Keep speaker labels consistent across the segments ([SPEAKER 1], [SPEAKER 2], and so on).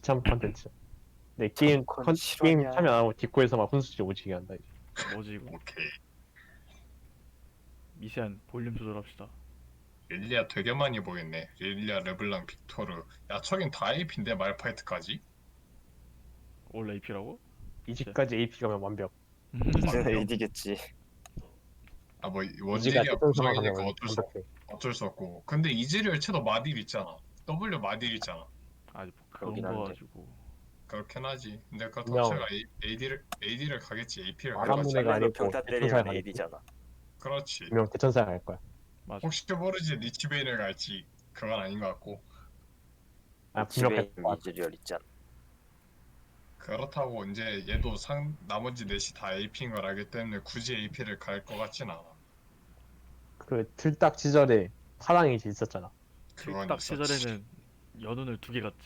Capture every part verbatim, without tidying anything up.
[SPEAKER 1] 비참 컨텐츠. 내 게임
[SPEAKER 2] 컨
[SPEAKER 1] 컨, 게임
[SPEAKER 2] 실화냐.
[SPEAKER 1] 참여 안 하고 뒷코에서 막 훈수지 오지게 한다. 이제.
[SPEAKER 3] 뭐지 이거?
[SPEAKER 4] 오케이.
[SPEAKER 3] 미세한 볼륨 조절합시다.
[SPEAKER 4] 릴리아 되게 많이 보였네. 릴리아, 르블랑, 빅토르. 야, 저긴 다 에이피인데 말파이트까지?
[SPEAKER 3] 올 에이피라고?
[SPEAKER 1] 이집까지 에이피 가면 완벽.
[SPEAKER 2] 이제는 에이디겠지.
[SPEAKER 4] 아, 뭐
[SPEAKER 1] 이지가
[SPEAKER 4] 원딜이야
[SPEAKER 1] 대전사만
[SPEAKER 4] 부정이니까
[SPEAKER 1] 가면
[SPEAKER 4] 어쩔 수 없,
[SPEAKER 1] 완벽해.
[SPEAKER 4] 어쩔 수 없고. 근데 이즈리얼 채도 마딜 있잖아. W 마딜 있잖아.
[SPEAKER 3] 아니 뭐 그런
[SPEAKER 2] 그러긴
[SPEAKER 3] 거
[SPEAKER 2] 한데.
[SPEAKER 3] 가지고
[SPEAKER 4] 그렇긴 하지. 근데 그렇다고
[SPEAKER 1] 그냥-
[SPEAKER 4] 제가 AD를 AD를 가겠지. 에이피를
[SPEAKER 1] 말한
[SPEAKER 4] 가겠지.
[SPEAKER 1] 분야가 아니고
[SPEAKER 2] 평타
[SPEAKER 1] 대천사에
[SPEAKER 2] 때리면
[SPEAKER 1] 가겠지.
[SPEAKER 2] 에이디잖아.
[SPEAKER 4] 그렇지.
[SPEAKER 1] 분명 대천사에 갈 거야.
[SPEAKER 3] 맞아.
[SPEAKER 4] 혹시 모르지 리치베인을 갈지. 그건 아닌 것 같고.
[SPEAKER 1] 아 분명
[SPEAKER 2] 집에
[SPEAKER 1] 갈 거야.
[SPEAKER 2] 이즈리얼 있잖아.
[SPEAKER 4] 그렇다고 이제 얘도 상 나머지 넷이 다 에이피인 걸 알기 때문에 굳이 에이피를 갈 것 같진 않아.
[SPEAKER 1] 그 틀딱 시절에 파랑이 이제 있었잖아.
[SPEAKER 4] 그건
[SPEAKER 3] 딱
[SPEAKER 4] 있었지.
[SPEAKER 3] 시절에는 연운을 두 개 갔지.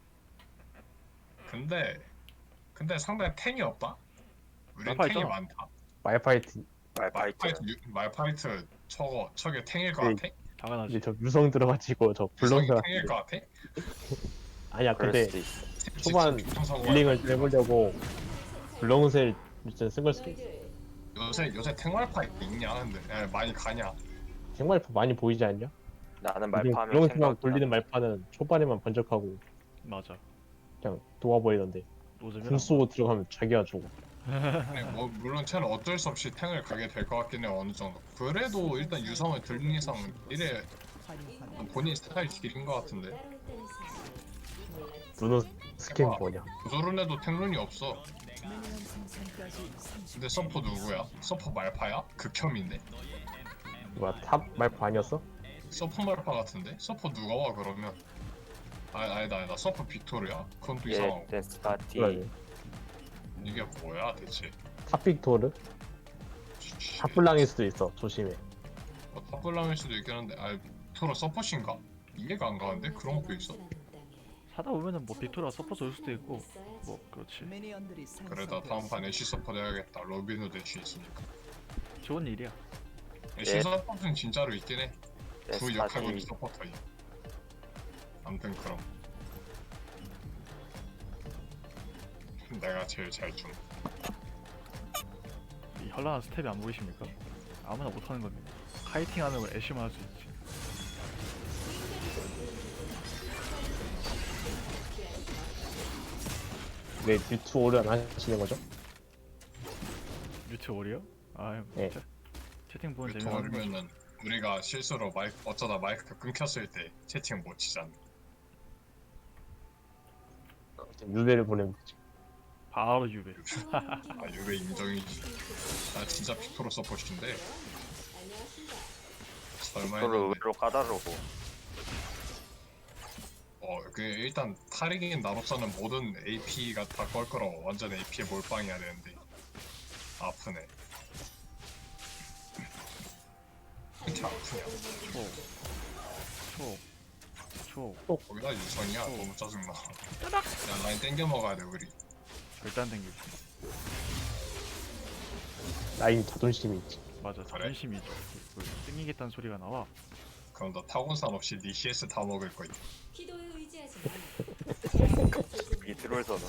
[SPEAKER 4] 근데 근데 상당히 탱이 없다. 우리
[SPEAKER 3] 말파
[SPEAKER 4] 탱이
[SPEAKER 3] 있잖아.
[SPEAKER 4] 많다.
[SPEAKER 1] 말파이트
[SPEAKER 2] 말파이트.
[SPEAKER 4] 말파이트 유- 말파이트 저거 저게 탱일 것
[SPEAKER 1] 네.
[SPEAKER 4] 같아?
[SPEAKER 3] 당연하지.
[SPEAKER 1] 이제 저 유성 들어가지고 저
[SPEAKER 4] 구성이
[SPEAKER 1] 불렁들
[SPEAKER 4] 탱일 것 같아?
[SPEAKER 1] 아니야
[SPEAKER 2] 그럴
[SPEAKER 1] 근데
[SPEAKER 2] 수도 있어.
[SPEAKER 1] 초반 딜링을 해보려고 불렁셀 일단 쓴걸 수도 있어.
[SPEAKER 4] 요새 요새 탱말파이트 있냐? 근데 야, 많이 가냐?
[SPEAKER 1] 생말파 많이 보이지 않냐?
[SPEAKER 2] 나는
[SPEAKER 1] 요즘
[SPEAKER 2] 말파하면
[SPEAKER 1] 불렁셀만
[SPEAKER 2] 생각.
[SPEAKER 1] 돌리는 말파는 초반에만 번쩍하고
[SPEAKER 3] 맞아.
[SPEAKER 1] 그냥 도와버리던데
[SPEAKER 3] 노잼이라.
[SPEAKER 1] 궁 쏘고 들어가면 자기가 죽어.
[SPEAKER 4] 아니, 뭐 물론 쟤는 어쩔 수 없이 탱을 가게 될 것 같긴 해 어느 정도. 그래도 일단 유성을 들는 이상 이래 본인 스타일 길인 것 같은데.
[SPEAKER 1] 누누 스킨 뭐냐?
[SPEAKER 4] 조조른에도 탱룬이 없어. 근데 서포 누구야? 서포 말파야? 극혐인데?
[SPEAKER 1] 뭐야 탑 말파 아니었어?
[SPEAKER 4] 서포 말파 같은데? 서포 누가 와 그러면? 아, 아니다 아니다 서포 빅토르야? 그건 또
[SPEAKER 2] 예,
[SPEAKER 4] 이상하고.
[SPEAKER 2] 댄스 파티.
[SPEAKER 1] 그래.
[SPEAKER 4] 이게 뭐야 대체?
[SPEAKER 1] 탑빅토르? 탑블랑일 수도 있어. 조심해.
[SPEAKER 4] 뭐, 탑블랑일 수도 있긴 한데 아 빅토르 서포신가? 이해가 안 가는데? 그런 것도 있어?
[SPEAKER 3] 하다 보면은 뭐 빅토리가 서포트 올 수도 있고 뭐 그렇지.
[SPEAKER 4] 그래다 다음 판 애쉬 서포트 해야겠다. 로빈후드 애쉬 있으니까.
[SPEAKER 3] 좋은 일이야.
[SPEAKER 4] 애쉬
[SPEAKER 2] 예.
[SPEAKER 4] 서포트는 진짜로 있긴 해. 그
[SPEAKER 2] 댄스
[SPEAKER 4] 역할군이
[SPEAKER 2] 파티.
[SPEAKER 4] 서포터이. 아무튼 그럼 내가 제일 잘 줌.
[SPEAKER 3] 이 현란한 스텝이 안 보이십니까? 아무나 못하는 겁니다. 카이팅하는 걸 애쉬만 할 수 있지.
[SPEAKER 1] 왜 뮤트 오를 안 하시는 거죠?
[SPEAKER 3] 뮤트 오리요? 아유
[SPEAKER 1] 네.
[SPEAKER 3] 진짜 채팅 보는 재미가 없는 거지.
[SPEAKER 4] 도와주면은 우리가 실수로 마이크 어쩌다 마이크가 끊겼을 때 채팅 못 치잖아.
[SPEAKER 1] 유배를 보내면 되지.
[SPEAKER 3] 바로 유배.
[SPEAKER 4] 아 유배 인정이지. 나 진짜 빅토르 서포트인데 설마
[SPEAKER 2] 서로
[SPEAKER 4] 했는데
[SPEAKER 2] 의외로 까다로고.
[SPEAKER 4] 어그 일단 타릭인 나로서는 모든 에이피가 다 껄끄러워. 완전 에이피에 몰빵해야 되는데 아프네. 이렇게 아프냐?
[SPEAKER 3] 초. 초. 초.
[SPEAKER 4] 거기다 유선이야. 너무 짜증나. 야 라인 땡겨 먹어야 돼 우리.
[SPEAKER 3] 절대 안 땡기지.
[SPEAKER 1] 라인 자존심이 있지.
[SPEAKER 3] 맞아.
[SPEAKER 4] 그래?
[SPEAKER 3] 자존심이죠. 그 땡기겠다는 소리가 나와.
[SPEAKER 4] 그럼 너 타곤산 없이 니 씨에스 다 먹을 거야.
[SPEAKER 5] 기도에 의지하지
[SPEAKER 2] 이 트롤 선언.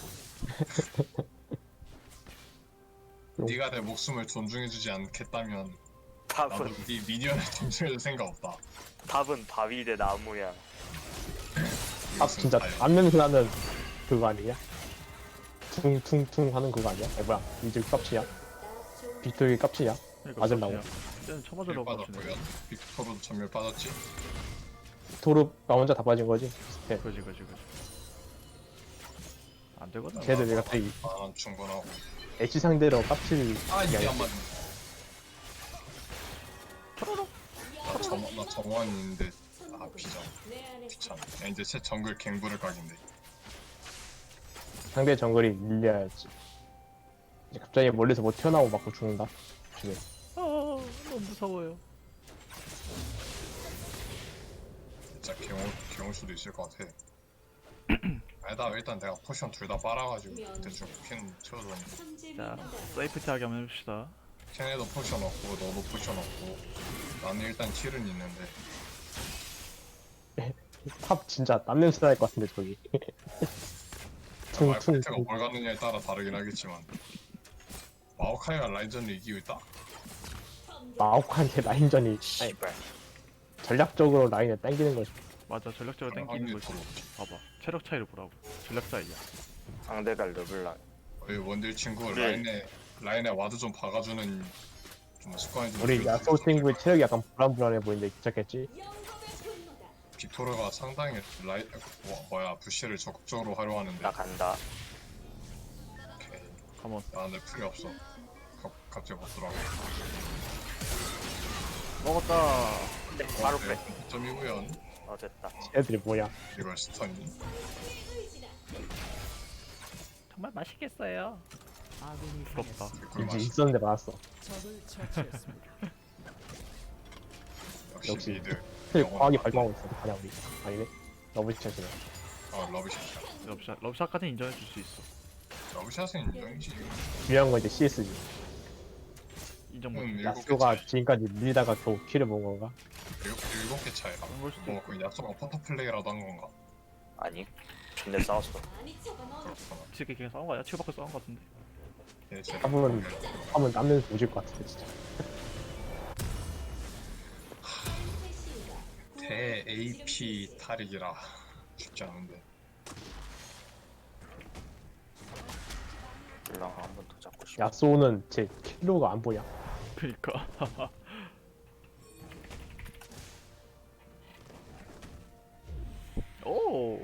[SPEAKER 4] 네가 내 목숨을 존중해주지 않겠다면 나도
[SPEAKER 2] 탑은
[SPEAKER 4] 네 미니언을 존중해줄 생각 없다.
[SPEAKER 2] 탑은 바위 대 나무야.
[SPEAKER 1] 탑
[SPEAKER 4] 이것은
[SPEAKER 1] 진짜
[SPEAKER 4] 자연.
[SPEAKER 1] 안냄새 나는 그거 아니냐? 퉁퉁퉁 하는 그거 아니야? 에 뭐야 이제 깝치야? 빅토리 깝치야?
[SPEAKER 3] 그러니까
[SPEAKER 1] 맞으려고.
[SPEAKER 3] 이제는
[SPEAKER 4] 일
[SPEAKER 3] 쳐맞으려고
[SPEAKER 4] 빠졌고요.
[SPEAKER 3] 하시네.
[SPEAKER 4] 빅토르도 전멸 빠졌지.
[SPEAKER 1] 토르가 혼자 다 빠진 거지? 비슷해.
[SPEAKER 3] 그지 그지 그지. 안 되거든.
[SPEAKER 1] 쟤들 내가 갑자기
[SPEAKER 4] 아 충분하고.
[SPEAKER 1] 애쉬 상대로 깝칠
[SPEAKER 4] 아 이게
[SPEAKER 1] 아니야.
[SPEAKER 4] 안 맞네. 나 정원 나 정원인데 아 비장 귀찮아. 야, 이제 새 정글 갱부를 각인데.
[SPEAKER 1] 상대 정글이 밀려야지. 이제 갑자기 멀리서 뭐 튀어나오고 맞고 죽는다. 조심해.
[SPEAKER 3] 아 너무 무서워요.
[SPEAKER 4] 진짜 개올 개올 수도 있을 것 같아. 아니다 일단 내가 포션 둘 다 빨아가지고 대충 캔 채워줬는데.
[SPEAKER 3] 자 세이프티하게 한번 해봅시다.
[SPEAKER 4] 캔에도 포션 없고 너도 포션 없고 나는 일단 킬은 있는데.
[SPEAKER 1] 탑 진짜 땀냄새 날 것 같은데 저기. 퉁퉁
[SPEAKER 4] 말파이트가 뭘 갖느냐에 따라 다르긴 하겠지만 마오카이가 라인전을 이기고 있다?
[SPEAKER 1] 마오카한테 라인전이 아니,
[SPEAKER 2] 씨발.
[SPEAKER 1] 전략적으로 라인을 당기는 거지.
[SPEAKER 3] 맞아 전력적으로
[SPEAKER 4] 그런
[SPEAKER 3] 땡기는
[SPEAKER 4] 확률이
[SPEAKER 3] 거지.
[SPEAKER 4] 더 높지.
[SPEAKER 3] 봐봐 체력 차이를 보라고. 전력 차이야.
[SPEAKER 2] 상대가 르블랑.
[SPEAKER 4] 우리 원딜 친구
[SPEAKER 2] 그래.
[SPEAKER 4] 라인에 라인에 와드 좀 박아주는 좀 습관이 좀
[SPEAKER 1] 우리
[SPEAKER 4] 들어있어.
[SPEAKER 1] 야소 친구의 체력이 약간 불안불안해 보이는데 괜찮겠지?
[SPEAKER 4] 빅토르가 상당히 라인 뭐, 뭐야 부시를 적극적으로 활용하는데
[SPEAKER 2] 나 간다.
[SPEAKER 4] 오케이.
[SPEAKER 3] 가만.
[SPEAKER 4] 나한테 풀이 없어. 가, 갑자기 못 들어가.
[SPEAKER 3] 먹었다.
[SPEAKER 2] 근데 바로 빼.
[SPEAKER 4] 점이고요.
[SPEAKER 2] 어 됐다.
[SPEAKER 1] 애들이 뭐야?
[SPEAKER 4] 이걸 스턴이.
[SPEAKER 3] 정말 맛있겠어요. 부럽다.
[SPEAKER 4] 개꿀
[SPEAKER 1] 이제
[SPEAKER 4] 맛이.
[SPEAKER 1] 있었는데 많았어.
[SPEAKER 4] 역시
[SPEAKER 1] 역시.
[SPEAKER 4] 미드.
[SPEAKER 1] 스킬 과하게 발동하고 있어. 가냐 우리. 아니네. 러브샷이네.
[SPEAKER 4] 어 러브샷.
[SPEAKER 3] 러브샷 러브샷까지 인정해 줄 수 있어.
[SPEAKER 4] 러브샷은 인정이지.
[SPEAKER 1] 중요한 건 이제 씨에스지.
[SPEAKER 3] 인정 못.
[SPEAKER 4] 음, 일곱 개
[SPEAKER 1] 야소가
[SPEAKER 4] 차이.
[SPEAKER 1] 지금까지 밀다가 겨우 키를 본 건가?
[SPEAKER 4] 일곱, 일곱 개 차이라.
[SPEAKER 3] 그런 걸 수도
[SPEAKER 4] 뭐
[SPEAKER 3] 있고.
[SPEAKER 4] 그 야소가 포터 플레이라도 한 건가?
[SPEAKER 2] 아니. 근데 싸웠어.
[SPEAKER 4] 그렇구나.
[SPEAKER 3] 지금 그냥 싸운 거 아니야? 치고받고 싸운 거 같은데.
[SPEAKER 4] 예, 제
[SPEAKER 1] 한번 하면 남는 오질 것 같은데 진짜.
[SPEAKER 4] 대 에이피 탈익이라 쉽지 않은데.
[SPEAKER 2] 르블랑 한 번 더 잡고 싶어.
[SPEAKER 1] 야소는 제 킬로가 안 보여.
[SPEAKER 3] 그니까. 오.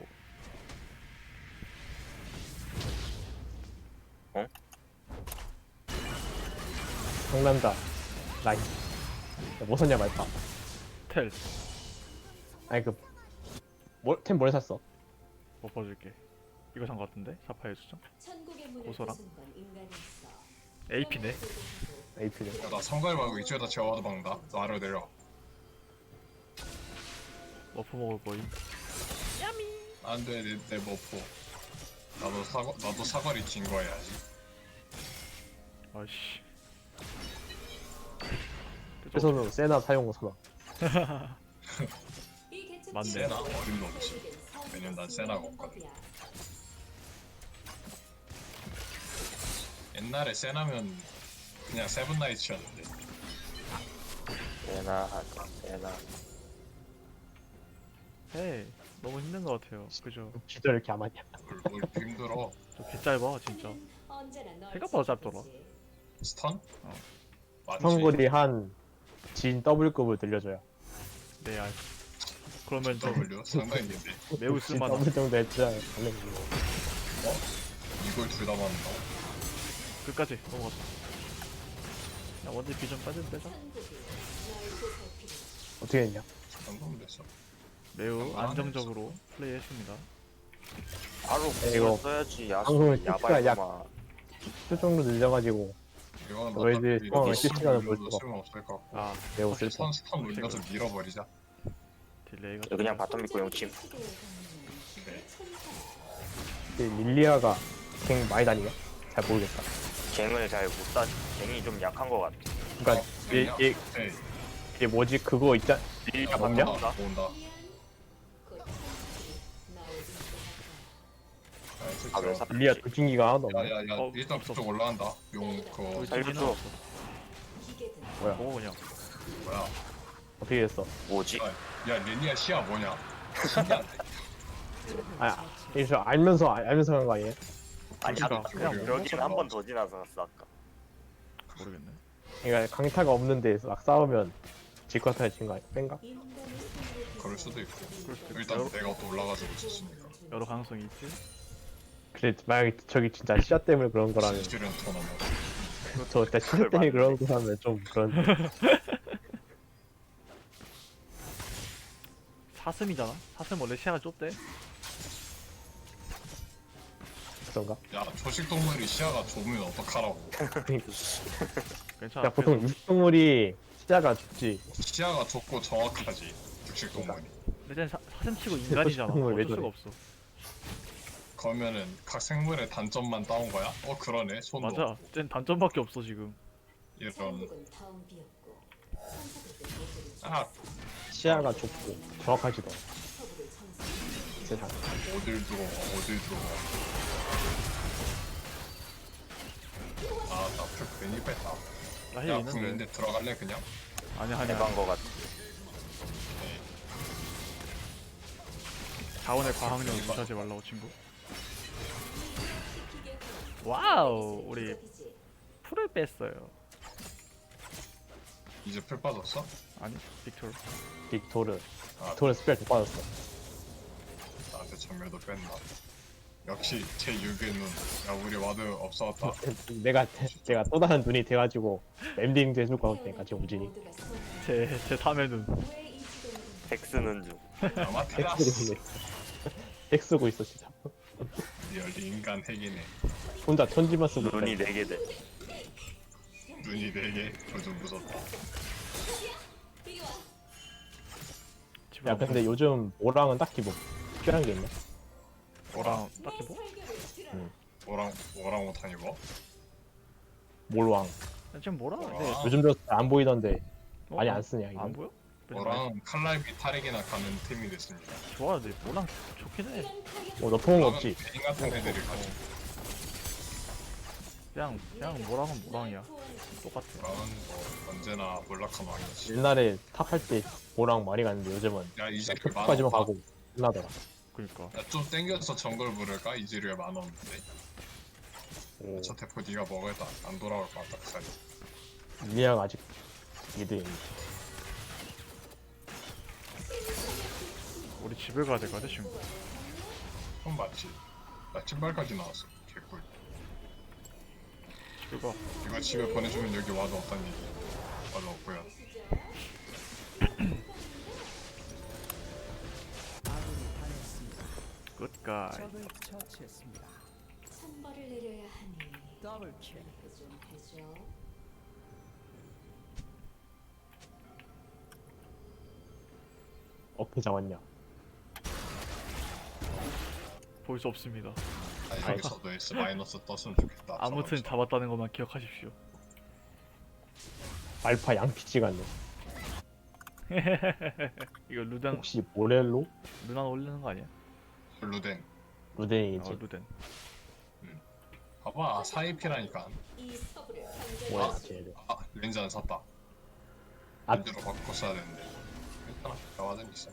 [SPEAKER 1] 상남자 라인. 야, 뭐 샀냐 말파.
[SPEAKER 3] 텔.
[SPEAKER 1] 아니 그 뭘, 템 뭘 샀어?
[SPEAKER 3] 뭐 봐줄게. 이거 산 거 같은데? 사파이어 수정? 고소랑? 에이피네.
[SPEAKER 1] 에이피를.
[SPEAKER 4] 야, 나 성갈 말고 이쪽에다 제어와도 박는다. 너 아래로 내려.
[SPEAKER 3] 머프 먹을 거임.
[SPEAKER 4] 안돼 내, 내 머포. 나도 사과 나도 사과리 진거해야지.
[SPEAKER 3] 아이씨.
[SPEAKER 1] 최선으로 세나 사용 선언.
[SPEAKER 3] 맞네.
[SPEAKER 4] 세나 어림도 없지. 왜냐면 난 세나가 없거든. 옛날에 세나면 그냥 세븐나이츠였는데.
[SPEAKER 2] 세나 하자. 세나.
[SPEAKER 3] 헤이. 너무 힘든 거 같아요. 그죠?
[SPEAKER 1] 진짜 이렇게 안 맞냐?
[SPEAKER 4] 뭘, 뭘 힘들어.
[SPEAKER 3] 저 개짧아 진짜. 생각보다 짧더라.
[SPEAKER 4] 스턴?
[SPEAKER 3] 어.
[SPEAKER 4] 맞지.
[SPEAKER 1] 성골이 한 진 더블급을 들려줘요.
[SPEAKER 3] 네 알. 그러면 좀
[SPEAKER 4] W 상당히 있는데.
[SPEAKER 3] 매우
[SPEAKER 1] 진
[SPEAKER 3] 쓸만한.
[SPEAKER 1] 더블 정도 했잖아. 달래.
[SPEAKER 4] 이걸 둘 다 맞는다고?
[SPEAKER 3] 끝까지 넘어갔어. 야 원딜 비전 빠진 빼자.
[SPEAKER 1] 어떻게 했냐?
[SPEAKER 4] 방금 됐어.
[SPEAKER 3] 매우
[SPEAKER 4] 안
[SPEAKER 3] 안정적으로 플레이했습니다.
[SPEAKER 2] 바로
[SPEAKER 1] 네, 이거
[SPEAKER 2] 그걸 써야지.
[SPEAKER 1] 방송을
[SPEAKER 2] 야수
[SPEAKER 1] 시키가 약-
[SPEAKER 2] 야발구만.
[SPEAKER 1] 수 정도 늘려가지고
[SPEAKER 4] 이거는
[SPEAKER 1] 너희들
[SPEAKER 4] 어차피
[SPEAKER 1] 상황을
[SPEAKER 4] 이렇게
[SPEAKER 1] 실시간으로
[SPEAKER 4] 눌러도
[SPEAKER 1] 볼 수가
[SPEAKER 4] 쓸모없을 것 같고.
[SPEAKER 3] 아
[SPEAKER 1] 매우 슬퍼.
[SPEAKER 4] 스턴 스턴 눌려서 밀어버리자.
[SPEAKER 3] 딜레이가.
[SPEAKER 2] 이거 그냥 바텀 믿고 용침.
[SPEAKER 4] 네.
[SPEAKER 1] 근데 릴리아가 갱 많이 다니냐? 잘 모르겠다.
[SPEAKER 2] 갱을 잘 못 따. 갱이 좀 약한 것 같아.
[SPEAKER 1] 그러니까 얘, 얘,
[SPEAKER 4] 네.
[SPEAKER 1] 얘 뭐지 그거 있자.
[SPEAKER 2] 릴리아
[SPEAKER 1] 먹냐?
[SPEAKER 2] 바텀 온다.
[SPEAKER 4] 온다.
[SPEAKER 2] 아, 왜 사-
[SPEAKER 1] 릴리아 돌진기가 하나도 없네.
[SPEAKER 4] 야야야
[SPEAKER 3] 어,
[SPEAKER 4] 일단
[SPEAKER 3] 없어.
[SPEAKER 4] 그쪽 올라간다. 용 그거
[SPEAKER 3] 거기
[SPEAKER 2] 살려줘.
[SPEAKER 3] 딜기는 없어.
[SPEAKER 1] 뭐야?
[SPEAKER 3] 먹어 그냥.
[SPEAKER 4] 뭐야?
[SPEAKER 1] 어떻게 됐어?
[SPEAKER 2] 뭐지?
[SPEAKER 4] 야 릴리아 시야 뭐냐? 신기한데.
[SPEAKER 1] 아, 이거 알면서 알- 알면서 한 거 아니에요?
[SPEAKER 2] 아니
[SPEAKER 3] 그러니까
[SPEAKER 2] 아까
[SPEAKER 3] 그냥
[SPEAKER 4] 뭐
[SPEAKER 2] 여기는 한 번 더 지나서 갔어 아까.
[SPEAKER 3] 모르겠네.
[SPEAKER 1] 그러니까 강타가 없는 데서 막 싸우면 질 것 같아 친거 아니야? 뺀가?
[SPEAKER 4] 그럴 수도 있고.
[SPEAKER 3] 그럴 수도 있고.
[SPEAKER 4] 일단
[SPEAKER 3] 여러,
[SPEAKER 4] 내가 또 올라가지고 있었으니까.
[SPEAKER 3] 여러 가능성이 있지.
[SPEAKER 1] 그래 만약에 저기 진짜 시야 때문에 그런 거라면
[SPEAKER 4] 실은 토너먼.
[SPEAKER 1] 저 진짜 시야 때문에 그런 거라면 좀 그런
[SPEAKER 3] 사슴이잖아. 사슴 원래 시야가 좁대.
[SPEAKER 1] 그런가?
[SPEAKER 4] 야 초식 동물이 시야가 좁으면 어떡하라고.
[SPEAKER 3] 괜찮아.
[SPEAKER 1] 야 보통 육동물이 시야가 좁지.
[SPEAKER 4] 시야가 좁고 정확하지. 육식 동물이.
[SPEAKER 3] 근데 쟤는 사- 사슴치고 인간이잖아.
[SPEAKER 1] 왜
[SPEAKER 3] 어쩔
[SPEAKER 1] 저래?
[SPEAKER 3] 수가 없어.
[SPEAKER 4] 그러면은 각 생물의 단점만 따온 거야? 어 그러네. 손도
[SPEAKER 3] 맞아.
[SPEAKER 4] 없고.
[SPEAKER 3] 쟤는 단점밖에 없어 지금.
[SPEAKER 4] 이런. 아
[SPEAKER 1] 시야가 좁고 정확하지도 않아. 세상.
[SPEAKER 4] 어딜 들어와 어딜 들어와. 몰입했다.
[SPEAKER 3] 나힐
[SPEAKER 4] 야
[SPEAKER 3] 있는데.
[SPEAKER 4] 궁인데 들어갈래 그냥?
[SPEAKER 3] 아니 아니야.
[SPEAKER 2] 해본 거 같아.
[SPEAKER 3] 자원의 과학력을 무시하지 말라고 친구. 와우 우리 풀을 뺐어요.
[SPEAKER 4] 이제 풀 빠졌어?
[SPEAKER 3] 아니 빅토르.
[SPEAKER 1] 빅토르.
[SPEAKER 4] 아
[SPEAKER 1] 빅토르 스펠 다 빠졌어.
[SPEAKER 4] 나한테 전멸도 뺀다. 역시 제 육의 눈. 야 우리 와드 없어졌다.
[SPEAKER 1] 내가 내가 또 다른 눈이 돼가지고 엠딩도 해줄 것 같으니까 지금 우진이.
[SPEAKER 3] 제제 삼의 눈.
[SPEAKER 2] 핵 쓰는 중.
[SPEAKER 4] 아마
[SPEAKER 1] 핵
[SPEAKER 4] 테라스.
[SPEAKER 1] 쓰고 있네. 핵 쓰고 있어 진짜.
[SPEAKER 4] 리얼 인간 핵이네.
[SPEAKER 1] 혼자 천지만 쓰고
[SPEAKER 2] 눈이
[SPEAKER 1] 있다.
[SPEAKER 2] 네 개 돼.
[SPEAKER 4] 눈이 네개 그거 좀 무섭다.
[SPEAKER 3] 집에
[SPEAKER 1] 야 근데 요즘 오랑은 딱히 뭐 필요한 게 있나?
[SPEAKER 3] 뭐랑 딱히 뭐?
[SPEAKER 4] 뭐랑 뭐랑 못하니 뭐?
[SPEAKER 1] 몰왕.
[SPEAKER 3] 지금 뭐라? 근데
[SPEAKER 4] 뭐랑
[SPEAKER 1] 요즘 들어 안 보이던데
[SPEAKER 3] 어?
[SPEAKER 1] 많이 안 쓰냐 이거.
[SPEAKER 3] 안 보여?
[SPEAKER 4] 뭐랑 칼날비 탈익이나 가는 팀이 됐습니다.
[SPEAKER 3] 좋아, 근데 뭐랑 좋긴 해.
[SPEAKER 1] 어, 너 포옹 없지?
[SPEAKER 4] 베인 같은 애들이 가지고
[SPEAKER 3] 그냥 그냥 뭐랑은 뭐랑이야. 똑같아.
[SPEAKER 4] 뭐랑은 뭐 언제나 몰락한 왕이지.
[SPEAKER 1] 옛날에 탑 할 때 모랑 많이 갔는데 요즘은
[SPEAKER 4] 야 이제 그
[SPEAKER 1] 탑까지만
[SPEAKER 4] 만원.
[SPEAKER 1] 가고 끝나더라.
[SPEAKER 3] 그니까.
[SPEAKER 4] 야좀 땡겨서 정글 부를까? 이즈리에 만 원인데.
[SPEAKER 1] 오,
[SPEAKER 4] 저 대포 네가 먹어도 안 돌아올 것 같다. 그 사이.
[SPEAKER 1] 리아가 아직 미드에 있네.
[SPEAKER 3] 우리 집에 가야 될 것 같아 친구.
[SPEAKER 4] 형 맞지? 나 신발까지 나왔어. 개꿀.
[SPEAKER 3] 집에 가.
[SPEAKER 4] 이거 집에 보내주면 여기 와도 없다는 얘기. 와도 없고요.
[SPEAKER 3] 굿가이.
[SPEAKER 5] 적을 처치했습니다.
[SPEAKER 6] 천벌을 내려야 하니
[SPEAKER 5] 더블킬.
[SPEAKER 6] 좀 해줘.
[SPEAKER 1] 어떻게 잡았냐?
[SPEAKER 3] 볼 수 없습니다.
[SPEAKER 4] 아 여기서도 S 마이너스 떴으면 좋겠다.
[SPEAKER 3] 아무튼
[SPEAKER 4] 저런
[SPEAKER 3] 잡았다는 것만 기억하십시오.
[SPEAKER 1] 알파 양피 찍었네.
[SPEAKER 3] 이거 루단
[SPEAKER 1] 혹시 모렐로?
[SPEAKER 3] 루난 올리는 거 아니야?
[SPEAKER 4] 거. 루덴.
[SPEAKER 1] 루덴이지.
[SPEAKER 3] 어 루덴.
[SPEAKER 4] 봐봐 사이피라니까.
[SPEAKER 6] 이 서부를
[SPEAKER 1] 뭐야
[SPEAKER 6] 강제하지.
[SPEAKER 1] 쟤들.
[SPEAKER 4] 아 렌즈 안 샀다.
[SPEAKER 1] 아.
[SPEAKER 4] 렌즈로 바꿔 써야 되는데. 괜찮아. 나와든 있어.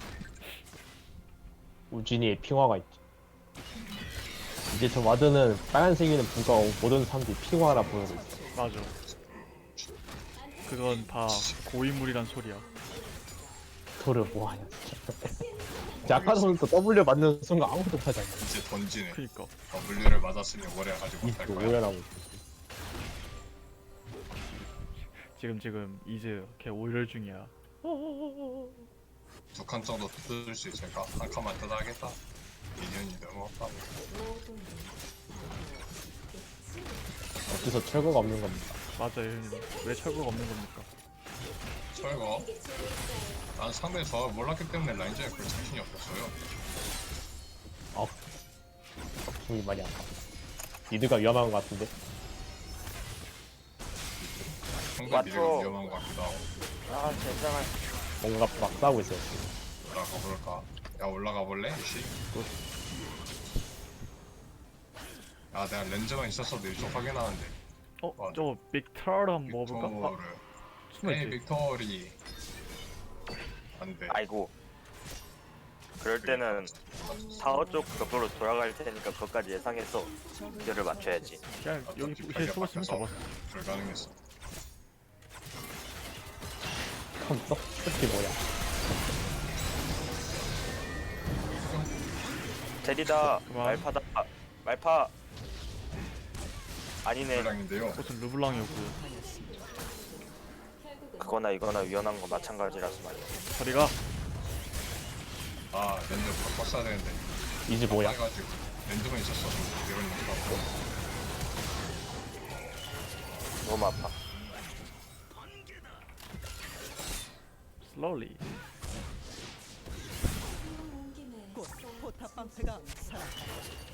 [SPEAKER 1] 우진이의 핑화가 있지. 이제 저 와드는 빨간색이는 불가하고 모든 사람들이 핑화라 부르고 있어.
[SPEAKER 3] 맞아. 그건 다 고인물이란 소리야.
[SPEAKER 1] 빅토르 뭐하냐 진짜. 진짜 아까 전부터 W 맞는 순간 아무것도 못하지 않냐.
[SPEAKER 4] 이제 던지네.
[SPEAKER 3] 그니까.
[SPEAKER 4] W를 맞았으니 오래 가지고 못할
[SPEAKER 1] 이또
[SPEAKER 4] 거야.
[SPEAKER 1] 오열하고 있어.
[SPEAKER 3] 지금 지금 이제 걔 오열 중이야.
[SPEAKER 4] 두 칸 정도 뜯을 수 있으니까 한 칸만 뜯어야겠다. 인연이 너무 없다.
[SPEAKER 1] 어째서 철거가 없는 겁니다.
[SPEAKER 3] 맞아요 형님. 왜 철거가 없는 겁니까?
[SPEAKER 4] 철거. 난 상대 저 몰랐기 때문에 라인전에 별 자신이 없었어요.
[SPEAKER 1] 아, 정이 많이 아파. 미드가 위험한 것 같은데.
[SPEAKER 4] 상대
[SPEAKER 2] 맞죠.
[SPEAKER 4] 미드가 위험한 것 같기도 하고.
[SPEAKER 2] 아 괜찮아.
[SPEAKER 1] 뭔가 막 싸우고 있어요.
[SPEAKER 4] 올라가 볼까? 야 올라가 볼래? 이씨. 아 내가 렌즈만 있었어도 이쪽 확인하는데.
[SPEAKER 3] 어?
[SPEAKER 4] 맞아.
[SPEAKER 3] 저거 빅터를 한번 먹어볼까? 아,
[SPEAKER 4] 빅토르. 에이
[SPEAKER 3] 숨어있지?
[SPEAKER 4] 빅토리. 안돼.
[SPEAKER 2] 아이고. 그럴 때는 사호 쪽 벽으로 돌아갈 테니까 그것까지 예상해서 기를 맞춰야지.
[SPEAKER 3] 그냥 여기 밑에 숨었으면 잡았어.
[SPEAKER 4] 불가능했어.
[SPEAKER 1] 컴퓨터? 특히 뭐야?
[SPEAKER 2] 제리다.
[SPEAKER 3] 그만.
[SPEAKER 2] 말파다. 아, 말파. 아니네.
[SPEAKER 4] 불량인데요.
[SPEAKER 3] 무슨 르블랑이었고요.
[SPEAKER 2] 그거나 이거나 위험한 거 마찬가지라서 말이야.
[SPEAKER 3] 저리가.
[SPEAKER 4] 아 렌즈 바꿔 써야 되는데.
[SPEAKER 1] 이제 뭐야?
[SPEAKER 4] 해가지고 렌즈만 있었어. 이런 거 없고.
[SPEAKER 2] 너무 아파.
[SPEAKER 3] 슬로리.
[SPEAKER 6] 온 김에
[SPEAKER 5] 곧 포탑 방패가 사라져.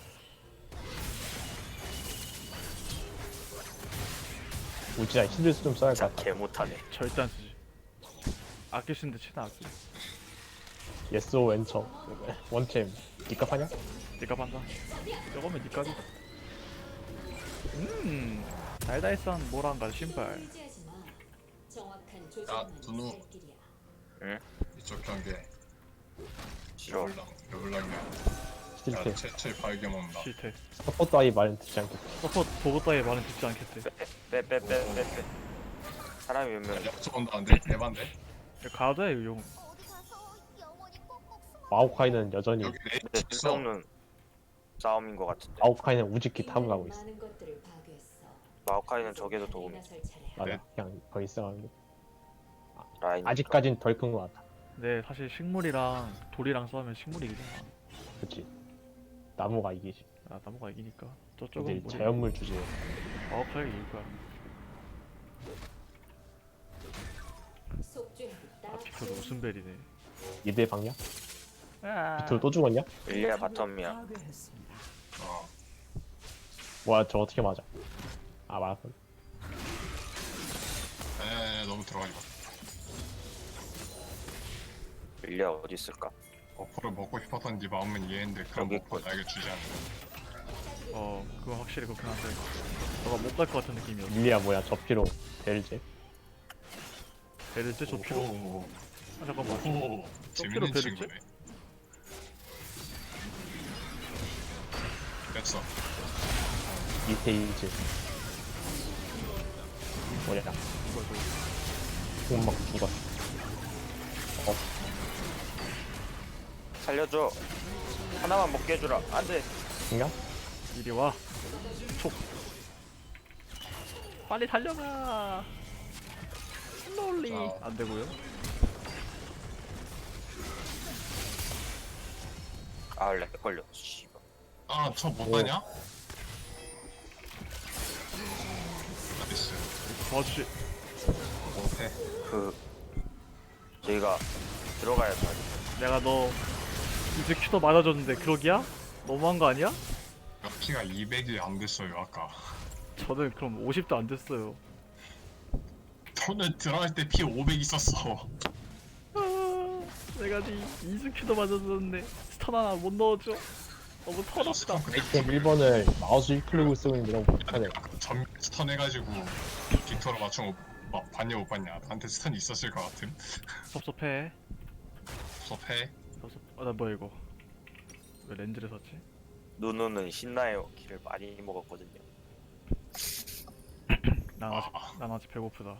[SPEAKER 1] 우진아 히드스 좀 써야 할 것
[SPEAKER 2] 진짜
[SPEAKER 1] 같다.
[SPEAKER 2] 개 못하네.
[SPEAKER 3] 절대 안 쓰지. 아낄 수 있는데 최대한 아끼.
[SPEAKER 1] 예스오 왼처. 원챔. 니값 하냐?
[SPEAKER 3] 니가 반다. 저거면 니까지. 음. 달달산 모란가 신발.
[SPEAKER 6] 의지하지 마. 정확한
[SPEAKER 4] 야,
[SPEAKER 6] 조절만
[SPEAKER 4] 누누.
[SPEAKER 6] 살 길이야.
[SPEAKER 4] 이쪽 경계
[SPEAKER 2] 싫어.
[SPEAKER 4] 르블랑 르블랑이야. 야
[SPEAKER 1] 실패.
[SPEAKER 4] 최초의 발견 온다.
[SPEAKER 3] 실태.
[SPEAKER 1] 서포 따위 말은 듣지 않겠다.
[SPEAKER 3] 서포트 보고 따위 말은 듣지 않겠대.
[SPEAKER 2] 빼빼빼빼빼. 사람이 몇 명?
[SPEAKER 4] 야수 온다는데 대반대.
[SPEAKER 3] 야, 가도 해 용.
[SPEAKER 1] 마오카이는 여전히
[SPEAKER 4] 여기 레이
[SPEAKER 2] 근데
[SPEAKER 4] 있어.
[SPEAKER 2] 쓸데없는 싸움인 것 같은데.
[SPEAKER 1] 마오카이는 우즈키 탑을 가고 있어.
[SPEAKER 6] 많은 것들을 파괴했어.
[SPEAKER 2] 마오카이는 적에도 도움이.
[SPEAKER 6] 나설 차례야.
[SPEAKER 1] 나는
[SPEAKER 4] 네.
[SPEAKER 1] 그냥 더 있어가지고
[SPEAKER 2] 라인.
[SPEAKER 1] 아직까진 덜 큰 것 같아.
[SPEAKER 3] 근데 사실 식물이랑 돌이랑 싸우면 식물이 이기잖아.
[SPEAKER 1] 그치. 나무가 이기지.
[SPEAKER 3] 아 나무가 이기니까.
[SPEAKER 1] 이제
[SPEAKER 3] 저쪽은 뭐
[SPEAKER 1] 자연물 주제에
[SPEAKER 3] 마오카이가 이길 거야.
[SPEAKER 6] 속죄하기 딱
[SPEAKER 3] 아 비켜도
[SPEAKER 6] 좋은
[SPEAKER 3] 웃음벨이네.
[SPEAKER 1] 이대 방향?
[SPEAKER 3] 아.
[SPEAKER 1] 비틀 또 죽었냐?
[SPEAKER 2] 릴리아 바텀이야.
[SPEAKER 5] 파괴했습니다.
[SPEAKER 4] 어.
[SPEAKER 1] 뭐야 저 어떻게 맞아? 아 맞았어.
[SPEAKER 4] 에에 너무 들어가지 마.
[SPEAKER 2] 릴리아 어디 있을까?
[SPEAKER 4] 어퍼를 먹고 싶었던 네 마음은 이해했는데 그런
[SPEAKER 2] 여기
[SPEAKER 4] 먹고
[SPEAKER 2] 있군.
[SPEAKER 4] 나에게 주지 않는.
[SPEAKER 3] 어 그건 확실히 그렇긴 한데 너가 못 갈 것 같은 느낌이었어.
[SPEAKER 1] 릴리아 뭐야 저피로 벨제?
[SPEAKER 3] 배를 쟤 저피로.
[SPEAKER 4] 오,
[SPEAKER 3] 아 잠깐만.
[SPEAKER 4] 오, 재밌는
[SPEAKER 3] 배를
[SPEAKER 4] 친구네. 됐어.
[SPEAKER 1] 이테이즈 뭐야
[SPEAKER 3] 뭐야 저거.
[SPEAKER 1] 공막 죽었어. 어
[SPEAKER 2] 살려줘. 하나만 먹게 해주라. 안돼.
[SPEAKER 1] 그냥?
[SPEAKER 3] 이리 와. 촉. 빨리 달려가. 슬로울리.
[SPEAKER 4] 자.
[SPEAKER 3] 안 되고요.
[SPEAKER 2] 아 렉 걸려. 씨발.
[SPEAKER 4] 아, 저 못하냐? 나이스.
[SPEAKER 3] 도와주지.
[SPEAKER 4] 못해.
[SPEAKER 2] 그 저희가 들어가야 돼.
[SPEAKER 3] 내가 너 이제 큐도 맞아줬는데 그러기야? 너무한 거 아니야?
[SPEAKER 4] 피가 이백이 안 됐어요 아까.
[SPEAKER 3] 저는 그럼 오십도 안 됐어요.
[SPEAKER 4] 저는 들어갈 때 피 오백 있었어.
[SPEAKER 3] 아, 내가 네 이즈 큐도 맞아줬는데 스턴 하나 못 넣어줘. 너무 터졌다.
[SPEAKER 1] 아이템 일 번을 마우스 일 클릭을 쓰고 있는데 너무 못하네.
[SPEAKER 4] 전 스턴 해가지고 빅토로 맞춘 거 봐- 봤냐 못 봤냐? 나한테 스턴 있었을 것 같음.
[SPEAKER 3] 섭섭해.
[SPEAKER 4] 섭해.
[SPEAKER 3] 섭섭. 아나 뭐야 이거? 왜 렌즈를 샀지?
[SPEAKER 2] 누누는 신나요. 길을 많이 먹었거든요.
[SPEAKER 3] 난 아직
[SPEAKER 4] 아.
[SPEAKER 3] 난 아직 배고프다.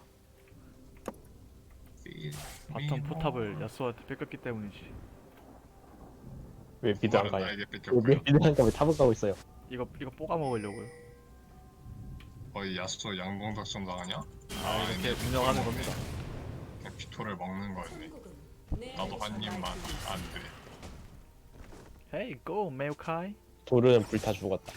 [SPEAKER 3] 바텀 포탑을 야수한테 뺏겼기 때문이지.
[SPEAKER 1] 왜 미드 안 가요?
[SPEAKER 4] 나에게
[SPEAKER 1] 왜
[SPEAKER 4] 뺏겼고요.
[SPEAKER 1] 미드 안 가면 탑을 가고 있어요?
[SPEAKER 3] 이거 이거 뽀가 먹으려고요.
[SPEAKER 4] 거의 야수도 양동 작전 당하냐?
[SPEAKER 3] 아 이렇게 운영하는 겁니다.
[SPEAKER 4] 그냥 빅토를 먹는 거였네.
[SPEAKER 6] 천국은 내
[SPEAKER 4] 나도
[SPEAKER 6] 안에서
[SPEAKER 4] 한 입만
[SPEAKER 6] 날 뿐이야.
[SPEAKER 4] 안 돼.
[SPEAKER 3] 헤이 고 메오카이.
[SPEAKER 1] 돌은 불타 죽었다.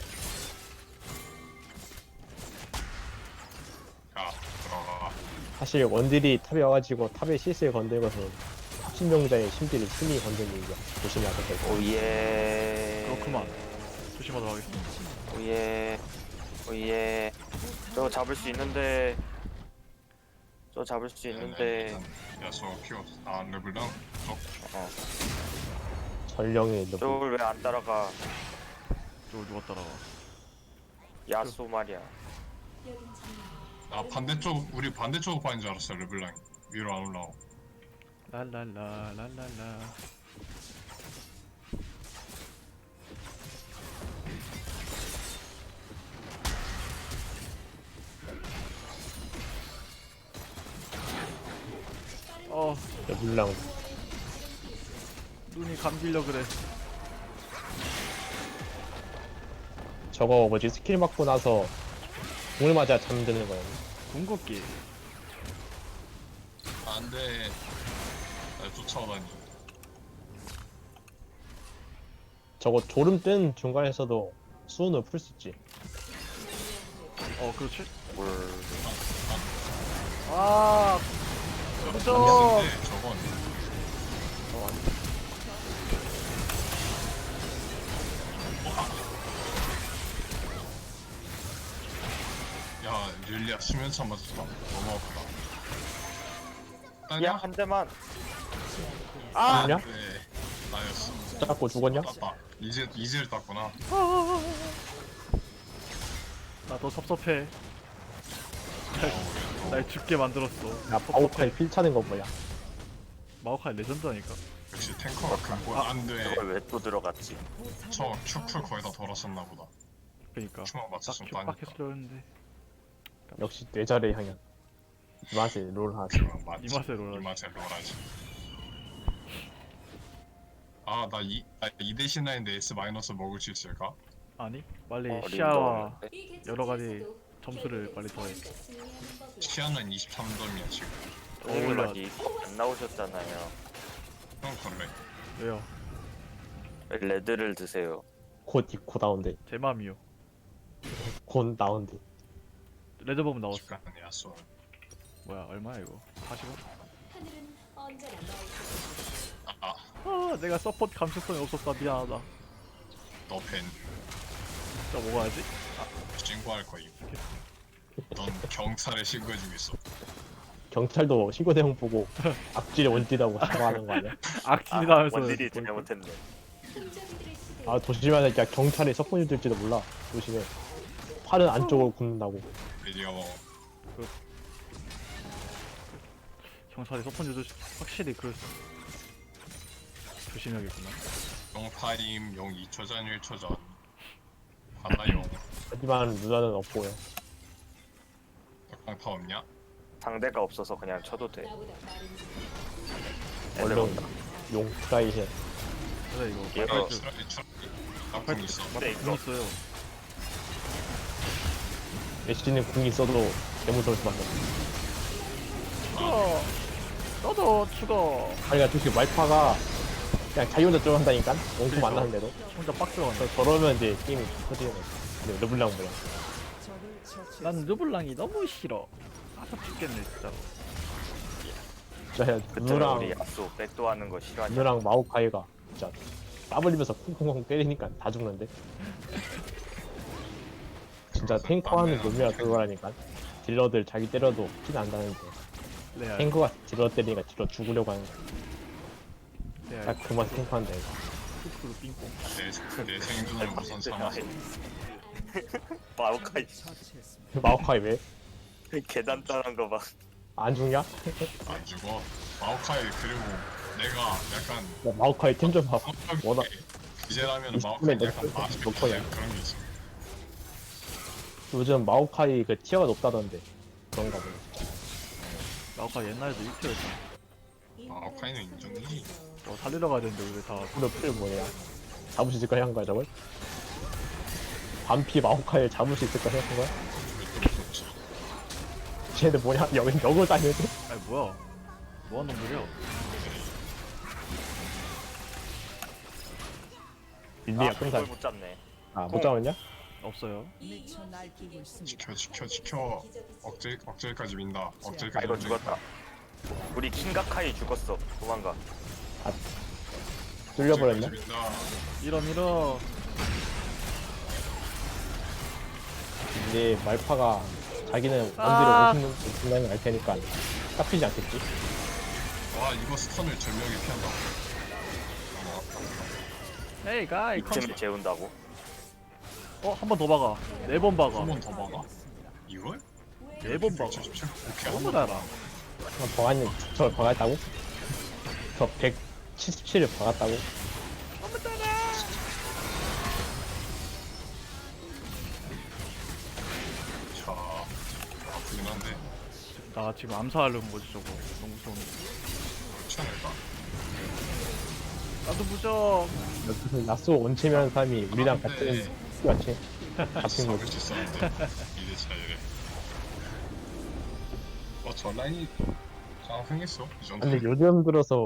[SPEAKER 4] 야 들어가.
[SPEAKER 1] 사실 원딜이 탑에 와가지고 탑에 실수에 건든 것은 신명자의 심지를 심히 건든 일이야. 조심해야 될 거고.
[SPEAKER 2] 오예.
[SPEAKER 3] 그렇구만. 조심하도록 하겠습니다.
[SPEAKER 2] 오예. 오예. 저 잡을 수 있는데. 저 잡을 수 있는데.
[SPEAKER 4] 야수 피어 아 르블랑
[SPEAKER 2] 어.
[SPEAKER 1] 전령의 너무
[SPEAKER 2] 저걸 왜 안 따라가?
[SPEAKER 3] 저걸 누가 따라와?
[SPEAKER 2] 야수 말이야.
[SPEAKER 6] 여긴 정말
[SPEAKER 4] 아 반대쪽 우리 반대쪽 반인 줄 알았어 르블랑 위로 안 올라오.
[SPEAKER 3] 랄랄라 랄랄라. 어
[SPEAKER 1] 물랑
[SPEAKER 3] 눈이 감기려 그래.
[SPEAKER 1] 저거 뭐지 스킬 맞고 나서 공을 맞아 잠드는 거야.
[SPEAKER 3] 궁극기.
[SPEAKER 4] 안돼. 날 쫓아오다니.
[SPEAKER 1] 저거 졸음 뜬 중간에서도 수은을 풀 수 있지.
[SPEAKER 3] 어 그렇지.
[SPEAKER 2] 뭘.
[SPEAKER 3] 아
[SPEAKER 4] 저건 안되는데 저건
[SPEAKER 3] 어, 안
[SPEAKER 4] 야 릴리아 수면차 맞았다. 너무 아프다.
[SPEAKER 2] 야,
[SPEAKER 4] 따냐?
[SPEAKER 2] 한 대만.
[SPEAKER 1] 아! 아니야?
[SPEAKER 4] 네 나였어.
[SPEAKER 1] 잡고 죽었냐?
[SPEAKER 4] 땄다. 이제 이제를 땄구나.
[SPEAKER 3] 나도 섭섭해. 날 죽게 만들었어.
[SPEAKER 1] 야 마오카이 필 차는 거 뭐야?
[SPEAKER 3] 마오카이 레전드라니까.
[SPEAKER 4] 역시 탱커가 근본 안돼.
[SPEAKER 2] 그걸 왜 또 들어갔지?
[SPEAKER 4] 저 큐풀 거의 다 돌았었나 보다.
[SPEAKER 3] 그니까.
[SPEAKER 4] 큐만
[SPEAKER 3] 딱
[SPEAKER 4] 맞췄으면
[SPEAKER 3] 큐박
[SPEAKER 4] 따니까.
[SPEAKER 3] 했으려 했는데.
[SPEAKER 1] 역시 뇌절의 향연. 이 맛에 롤 하지.
[SPEAKER 4] 맞지.
[SPEAKER 3] 이 맛에 롤하지.
[SPEAKER 4] 이 맛에 롤하지. 아나 이 아, 이 대신 나인데 S 마이너스 먹을 수 있을까?
[SPEAKER 3] 아니 빨리
[SPEAKER 2] 어,
[SPEAKER 3] 시야와
[SPEAKER 2] 린더.
[SPEAKER 6] 이
[SPEAKER 3] 여러 가지
[SPEAKER 6] 계층에서도
[SPEAKER 3] 점수를 빨리 더해.
[SPEAKER 6] 우리가 승리하는 법이야.
[SPEAKER 4] 시야는 이십삼 점이야 지금.
[SPEAKER 2] 선생님은 아직 안 나오셨잖아요.
[SPEAKER 4] 그럼 그래.
[SPEAKER 3] 왜요?
[SPEAKER 2] 레드를 드세요.
[SPEAKER 1] 곧 입고 나온대.
[SPEAKER 3] 제 맘이요.
[SPEAKER 1] 곧 나온대.
[SPEAKER 3] 레드범 나왔어.
[SPEAKER 4] 집가는 야쏘.
[SPEAKER 3] 뭐야 얼마야 이거? 사십 원?
[SPEAKER 6] 하늘은 언제나 너의 뜻을
[SPEAKER 4] 아,
[SPEAKER 3] 아 내가 서포트 감수성이 없었다 미안하다.
[SPEAKER 4] 너 팬.
[SPEAKER 3] 진짜 먹어야지.
[SPEAKER 4] 신고할 거임. 넌 경찰에 신고해주겠어.
[SPEAKER 1] 경찰도 신고 내용 보고 악질의 원띠라고 사과하는 거 아니야?
[SPEAKER 3] 악질이다
[SPEAKER 2] 아,
[SPEAKER 3] 하면서
[SPEAKER 2] 원딜이
[SPEAKER 3] 뭘-
[SPEAKER 2] 잘못했네.
[SPEAKER 6] 긍정들의 시대.
[SPEAKER 1] 아 조심해야 돼. 야 경찰이 석분이 될지도 몰라. 조심해. 팔은 안쪽으로 굽는다고.
[SPEAKER 4] 드디어
[SPEAKER 3] 경찰이 서폰 유저 확실히 그 조심해야겠구나.
[SPEAKER 4] 용8임 용 이 초 전 일 초 전. 하나용.
[SPEAKER 1] 하지만 누나는 없고요.
[SPEAKER 4] 딱방 다 없냐?
[SPEAKER 2] 상대가 없어서 그냥 쳐도 돼.
[SPEAKER 6] 나보다 빠른
[SPEAKER 1] 얼른 온다. 용 트라이 해.
[SPEAKER 3] 그래 이거
[SPEAKER 2] 얘가
[SPEAKER 3] 말팔 줄
[SPEAKER 4] 추락이 추락이. 나쁜 있어.
[SPEAKER 2] 근데
[SPEAKER 3] 돈
[SPEAKER 2] 이거
[SPEAKER 3] 있어요.
[SPEAKER 1] 애쉬는 궁이 있어도 개무서울 수밖에 없어.
[SPEAKER 3] 죽어. 너도 죽어.
[SPEAKER 1] 아니가 솔직히 말파가 그냥 자기 혼자 들어간다니까? 원콤 안 나는데도.
[SPEAKER 3] 혼자 빡 들어간다.
[SPEAKER 1] 저- 저러면 이제 게임이 터지는 거야. 근데 르블랑 뭐야.
[SPEAKER 5] 적을 처치.
[SPEAKER 3] 난 르블랑이 너무 싫어. 아서 죽겠네 진짜.
[SPEAKER 1] 진짜
[SPEAKER 2] 그때는
[SPEAKER 1] 누나랑
[SPEAKER 2] 우리 야수 백도하는 거 싫어하냐?
[SPEAKER 1] 누나랑 마오카이가 진짜 까불리면서 쿵쿵쿵 때리니까 다 죽는데. 진짜 탱커하는 놈이라 그거라니까. 딜러들 자기 때려도 피는 안 나는데
[SPEAKER 3] 레알.
[SPEAKER 1] 탱커가 딜러 때리니까 딜러 죽으려고 하는 거야.
[SPEAKER 3] 레알.
[SPEAKER 1] 딱 그만 탱커한다 이거.
[SPEAKER 3] 툭툭 빙뽕.
[SPEAKER 4] 내, 내 생존을 우선 삼아서.
[SPEAKER 2] 마오카이
[SPEAKER 5] 처치했습니다.
[SPEAKER 1] 마오카이 왜?
[SPEAKER 2] 계단 따는 거 봐.
[SPEAKER 1] 안 죽냐?
[SPEAKER 4] 안 죽어. 마오카이 그리고 내가 약간
[SPEAKER 1] 야, 마오카이 템 좀 봐봐. 워낙
[SPEAKER 4] 이제라면
[SPEAKER 1] 이십
[SPEAKER 4] 마오카이
[SPEAKER 1] 분에
[SPEAKER 4] 약간
[SPEAKER 1] 몇 번?
[SPEAKER 4] 맛있게
[SPEAKER 1] 몇 번이야?
[SPEAKER 4] 그런 게 있어.
[SPEAKER 1] 요즘 마오카이 그 티어가 높다던데 그런가 보네.
[SPEAKER 3] 나아까 옛날에도 일 티어였잖아.
[SPEAKER 4] 마오카이는 인정이지.
[SPEAKER 3] 어, 살리러 가야 되는데 왜 다
[SPEAKER 1] 무려 필 뭐냐? 잡을 수 있을까 한 거야 저걸? 반피 마오카이를 잡을 수 있을까 생각한 거야?
[SPEAKER 4] 절대 없어.
[SPEAKER 1] 쟤네들 뭐냐? 여기 역을 다니는데?
[SPEAKER 3] 아니 뭐야? 뭐하는 놈들이야?
[SPEAKER 1] 릴리야
[SPEAKER 2] 아,
[SPEAKER 1] 끈살.
[SPEAKER 2] 그걸 못 잡네.
[SPEAKER 1] 아 못 잡았냐?
[SPEAKER 3] 없어요.
[SPEAKER 5] 미쳐 날뛰고 있습니다.
[SPEAKER 4] 지켜 지켜 지켜. 억제 억제까지 민다.
[SPEAKER 2] 아
[SPEAKER 4] 억제까지.
[SPEAKER 2] 이거 죽었다. 우리 킹가카이 죽었어. 도망가.
[SPEAKER 1] 뚫려버렸냐?
[SPEAKER 4] 민다.
[SPEAKER 3] 밀어 밀어.
[SPEAKER 1] 이제 말파가 자기는 원딜을
[SPEAKER 3] 아.
[SPEAKER 1] 오십는 중간에 알 테니까 깎이지 않겠지?
[SPEAKER 4] 와 이거 스턴을 절묘하게 피한다.
[SPEAKER 3] 에이 가이 컴.
[SPEAKER 2] 이쯤에 재운다고?
[SPEAKER 3] 어한 번 더 박아. 네 번 박아.
[SPEAKER 4] 한 번 더 막아? 이걸?
[SPEAKER 3] 네 번 박아.
[SPEAKER 4] 백칠십칠? 오케이
[SPEAKER 3] 너무
[SPEAKER 4] 한번
[SPEAKER 3] 달아.
[SPEAKER 1] 버가니 저걸 박았다고? 저 백칠십칠을 박았다고?
[SPEAKER 4] 자 아프긴 한데
[SPEAKER 3] 나 지금 암살하려는 거지 저거. 너무 무서운데.
[SPEAKER 4] 그렇지 않을까?
[SPEAKER 3] 나도 무적.
[SPEAKER 1] 무슨 야수 원체면 사람이 우리랑
[SPEAKER 4] 아,
[SPEAKER 1] 같은
[SPEAKER 4] 네.
[SPEAKER 1] 같이 잡힌
[SPEAKER 4] 잡을
[SPEAKER 1] 거지.
[SPEAKER 4] 수 있었는데 이대 차이래. 어저 라인이 잘 흥했어 이 정도.
[SPEAKER 1] 근데 요즘 들어서